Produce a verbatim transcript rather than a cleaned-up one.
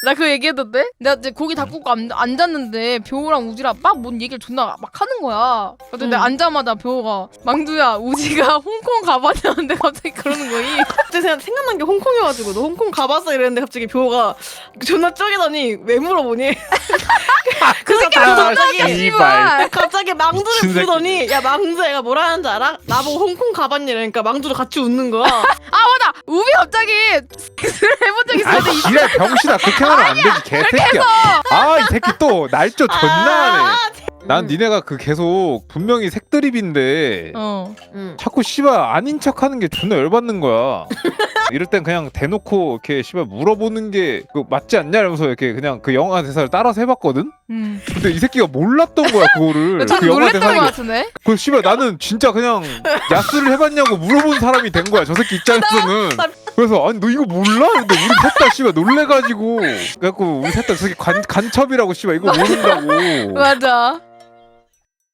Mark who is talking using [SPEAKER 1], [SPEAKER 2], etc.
[SPEAKER 1] 나 그 얘기했던데? 내가 이제 고기 다 굽고 앉, 앉았는데 벼우랑 우지랑 막 뭔 얘기를 존나 막 하는 거야. 근데
[SPEAKER 2] 음.
[SPEAKER 1] 내가 앉자마자 벼우가 망두야 우지가 홍콩 가봤냐는데 갑자기 그러는 거이.
[SPEAKER 2] 갑자기 생각- 생각난 게 홍콩이어가지고 너 홍콩 가봤어 이랬는데 갑자기 뷰가 존나 쪼개더니 왜 물어보니? 그 새끼
[SPEAKER 3] 아,
[SPEAKER 2] 갑자기
[SPEAKER 3] 씨발.
[SPEAKER 2] 갑자기 망두를
[SPEAKER 3] 미친 새끼.
[SPEAKER 2] 부르더니 야 망두 애가 뭐라 하는지 알아? 나보고 홍콩 가봤니? 이러니까 망두도 같이 웃는 거야.
[SPEAKER 1] 아 맞아. 우비 갑자기 섹스를 해본 적 있어.
[SPEAKER 3] 아,
[SPEAKER 1] 근데 이-
[SPEAKER 3] 지랄 병신아 그렇게 하면 안 되지 개새끼야. 아, 이 새끼 또 날조 존나 하네. 난 니네가 그 계속 분명히 색드립인데
[SPEAKER 1] 어.
[SPEAKER 2] 응.
[SPEAKER 3] 자꾸 씨발 아닌 척하는 게 존나 열받는 거야. 이럴 땐 그냥 대놓고 이렇게 씨발 물어보는 게 그 맞지 않냐 이러면서 이렇게 그냥 그 영화 대사를 따라서 해봤거든.
[SPEAKER 1] 음.
[SPEAKER 3] 근데 이 새끼가 몰랐던 거야 그거를.
[SPEAKER 1] 전
[SPEAKER 3] 그 영화
[SPEAKER 1] 놀랬던 거
[SPEAKER 3] 대사를.
[SPEAKER 1] 같은데?
[SPEAKER 3] 그 씨발 나는 진짜 그냥 야스를 해봤냐고 물어본 사람이 된 거야 저 새끼 입장에서는. 그래서 아니 너 이거 몰라? 근데 우리 셋다 씨발 놀래가지고 그래갖고 우리 셋다 저기 간 간첩이라고 씨발 이거 모른다고.
[SPEAKER 1] 맞아.